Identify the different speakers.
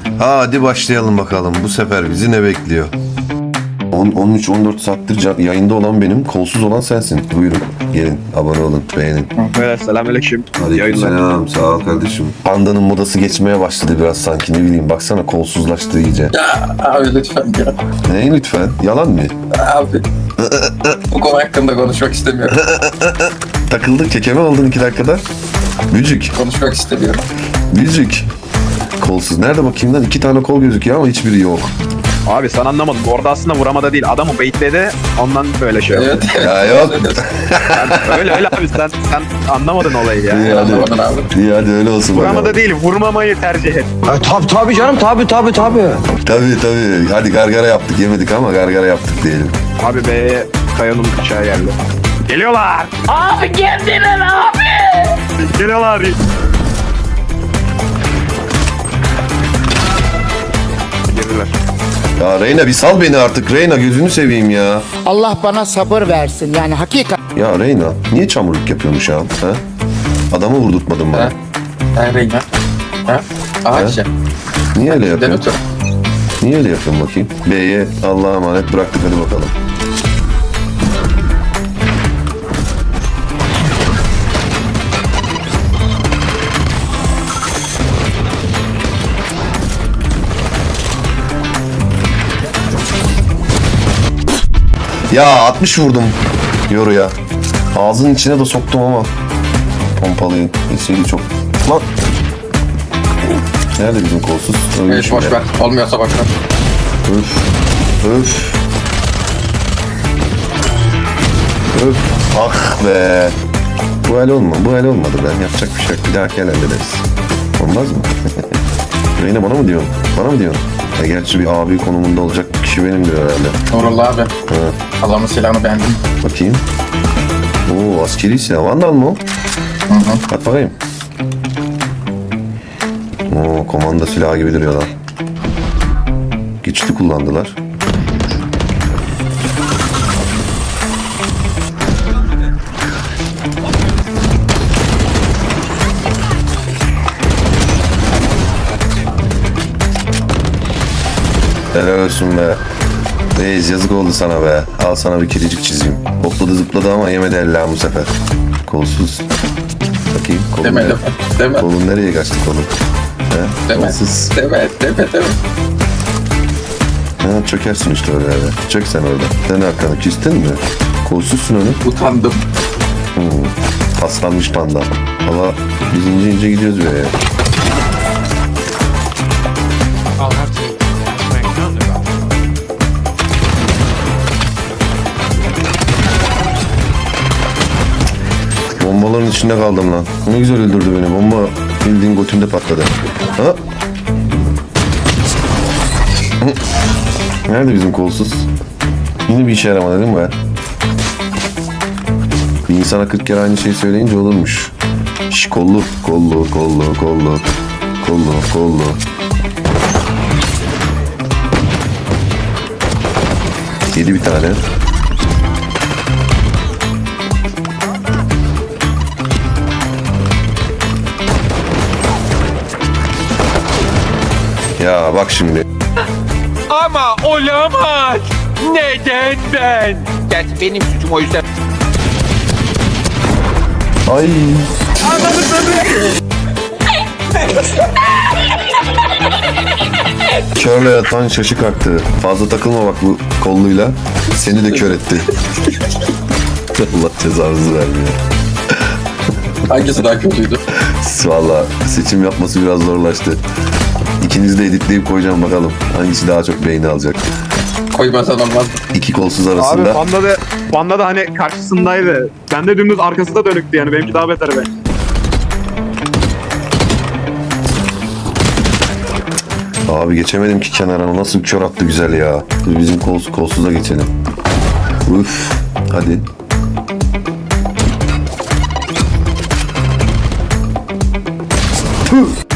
Speaker 1: Hadi başlayalım bakalım. Bu sefer bizi ne bekliyor? 13-14 saattir yayında olan benim, kolsuz olan sensin. Buyurun, gelin, abone olun, beğenin.
Speaker 2: Evet, selamünaleyküm.
Speaker 1: Aleykümselam, sağ ol kardeşim. Pandanın modası geçmeye başladı biraz sanki, ne bileyim. Baksana, kolsuzlaştı iyice.
Speaker 3: Ya abi lütfen ya.
Speaker 1: Ne lütfen? Yalan mı?
Speaker 3: Abi. Bu konu hakkında konuşmak istemiyorum.
Speaker 1: Takıldık, kekeme oldun 2 dakikada. Bücük,
Speaker 3: Konuşmak istemiyorum.
Speaker 1: bücük. Kolsuz. Nerede bakayım lan? 2 tane kol gözüküyor ama hiçbiri yok.
Speaker 2: Abi sen anlamadın. Orada aslında vuramada değil. Adamı baitledi. Ondan böyle şey oldu.
Speaker 3: Evet.
Speaker 1: Ya yok.
Speaker 2: Öyle abi sen anlamadın olayı ya.
Speaker 1: İyi hadi.
Speaker 3: Anlamadın abi.
Speaker 1: İyi hadi öyle olsun.
Speaker 2: Vuramada
Speaker 1: bakalım.
Speaker 2: değil, vurmamayı tercih et.
Speaker 4: Tabii canım tabii.
Speaker 1: Tabii. Hadi gargara yaptık, yemedik ama gargara yaptık diyelim.
Speaker 2: Abi B'ye Kaya'nın bıçağı geldi. Geliyorlar.
Speaker 5: Abi geldiler abi.
Speaker 2: Geliyorlar. Girdiler.
Speaker 1: Ya Reyna bir sal beni artık. Reyna gözünü seveyim ya.
Speaker 6: Allah bana sabır versin. Yani hakikat.
Speaker 1: Ya Reyna niye çamurluk yapıyormuş ya? Ha? Adamı vurdurtmadın bana.
Speaker 3: Ha? Ha Reyna? Ha? Ağaç ya.
Speaker 1: Niye öyle yapıyorsun?
Speaker 3: Denetör.
Speaker 1: Niye öyle yapıyorsun bakayım? B'ye Allah'a emanet bıraktık, hadi bakalım. Ya 60 vurdum yoruya. Ağzının içine de soktum ama pompalıyı. Esiydi çok. Lan. Nerede bizim kolsuz? Ölmüş
Speaker 3: Evet boş
Speaker 1: ya.
Speaker 3: ver. Olmuyorsa boş ver.
Speaker 1: Öf. Öf. Öf. Ah be. Bu el olmadı ben. Yapacak bir şey yok. Bir dahaki el hallederiz. Olmaz mı? Reyna bana mı diyorsun? Bana mı diyorsun? Ya gerçi bir abi konumunda olacak kişi benimdir herhalde.
Speaker 3: Nurullah abi.
Speaker 1: Ha,
Speaker 3: Allah'ın silahını beğendim.
Speaker 1: bakayım. Oo, askeri silah. Vandal mı o?
Speaker 3: Hı hı.
Speaker 1: At bakayım. Oo, komanda silahı gibi duruyor lan. Güçlü kullandılar. Helal olsun be. Reis yazık oldu sana be. Al sana bir kedicik çizeyim. Hopladı zıpladı ama yemedi ella bu sefer. Kolsuz. Bakayım kolun
Speaker 3: Deme
Speaker 1: nereye?
Speaker 3: deme. Deme.
Speaker 1: Kolun nereye kaçtı kolun? He?
Speaker 3: Deme.
Speaker 1: Kolsuz.
Speaker 3: Deme.
Speaker 1: Ha, çökersin işte öyle. Çök sen orada. Sen arkanı küstün mü? Kolsuzsun öyle.
Speaker 3: Utandım.
Speaker 1: Paslanmış panda. Ama biz ince gidiyoruz be ya. Bombaların içinde kaldım lan. Ne güzel öldürdü beni. Bomba bildiğin götümde patladı. Ha? Nerede bizim kolsuz? Yine bir işe yaramadı değil mi be? Bir insana 40 kere aynı şeyi söyleyince olurmuş. Şş, kollu. Yedi bir tane. Ya bak şimdi.
Speaker 7: Ama olamaz. Neden ben? Gerçi benim suçum o yüzden.
Speaker 1: Ay. Körle yatan şaşı kalktı. Fazla takılma bak bu kolluyla. Seni de kör etti. Allah cezanızı vermiyor.
Speaker 3: Hangisi daha kötüydü?
Speaker 1: Valla seçim yapması biraz zorlaştı. İkinizi de editleyip koyacağım bakalım. Hangisi daha çok beğeni alacak.
Speaker 3: Koymasan olmaz.
Speaker 1: İki kolsuz
Speaker 2: Abi
Speaker 1: arasında.
Speaker 2: Panda da hani karşısındaydı. Ben de dümdüz arkası da dönüktü yani. Benimki daha beter be.
Speaker 1: Abi geçemedim ki kenara. Nasıl kör attı güzel ya. Dur bizim kolsuza geçelim. Üf. Hadi. Tüh.